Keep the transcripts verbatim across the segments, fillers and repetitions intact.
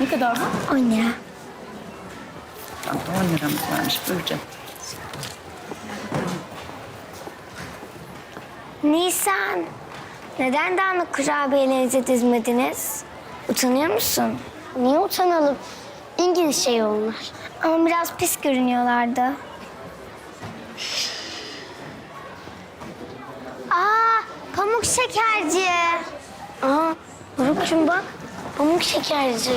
Ne kadar bu? On lira. Tam da on liramız varmış. Buyur canım. Nisan, neden dağınık kurabiyelerinizi dizmediniz? Utanıyor musun? Niye utanalım? İngiliz şey onlar. Ama biraz pis görünüyorlardı. Aa, pamuk şekerci. Aa, Buruk'cum bak, pamuk şekerci.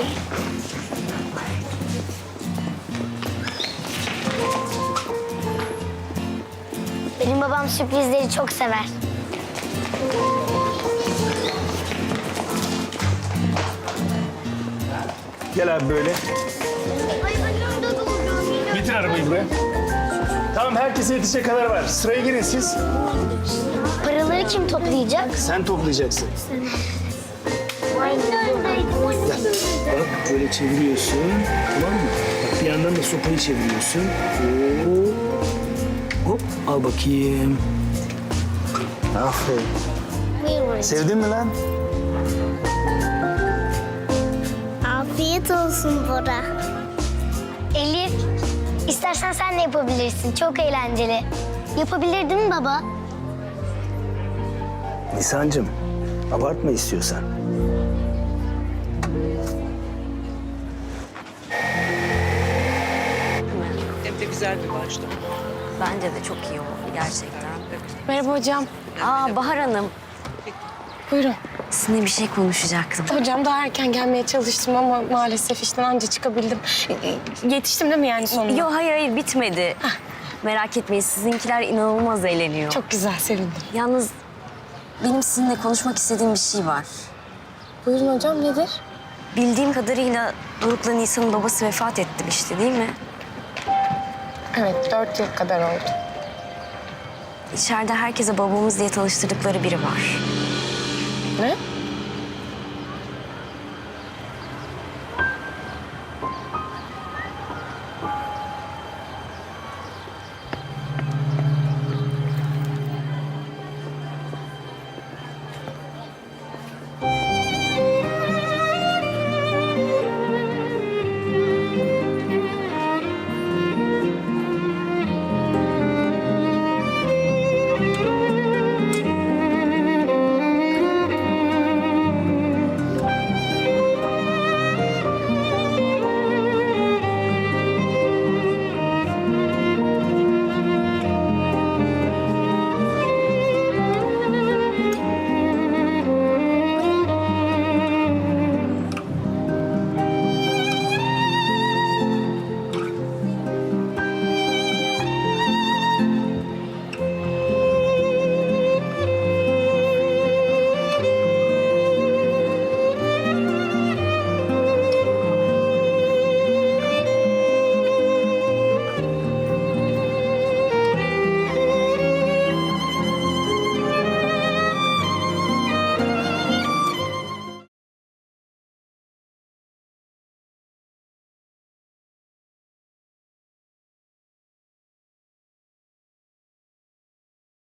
Benim babam sürprizleri çok sever. Gel abi böyle. Getir arabayı buraya. Tamam, herkese yetecek kadar var. Sıraya girin siz. Paraları kim toplayacak? Sen toplayacaksın. Bak böyle çeviriyorsun. Tamam mı? Bak bir yandan da sopayı çeviriyorsun. Hop. Hop. Al bakayım. Aferin. Buyurun. Sevdin mi lan? Afiyet olsun Bora. Elif, istersen sen de yapabilirsin. Çok eğlenceli. Yapabilir değil mi baba? Nisan'cığım, abartma istiyorsan. Hem de güzel bir başlık. Bence de çok iyi oldu gerçekten. Merhaba hocam. Aa Bahar Hanım, Buyurun. sizinle bir şey konuşacaktım. Hocam daha erken gelmeye çalıştım ama maalesef işten anca çıkabildim. Yetiştim değil mi yani sonunda? Yok hayır hayır bitmedi. Merak etmeyin, sizinkiler inanılmaz eğleniyor. Çok güzel, sevindim. Yalnız benim sizinle konuşmak istediğim bir şey var. Buyurun hocam, nedir? Bildiğim kadarıyla Doruk'la Nisan'ın babası vefat etti işte, değil mi? Evet, dört yıl kadar oldu. İçeride herkese babamız diye tanıştırdıkları biri var. Ne?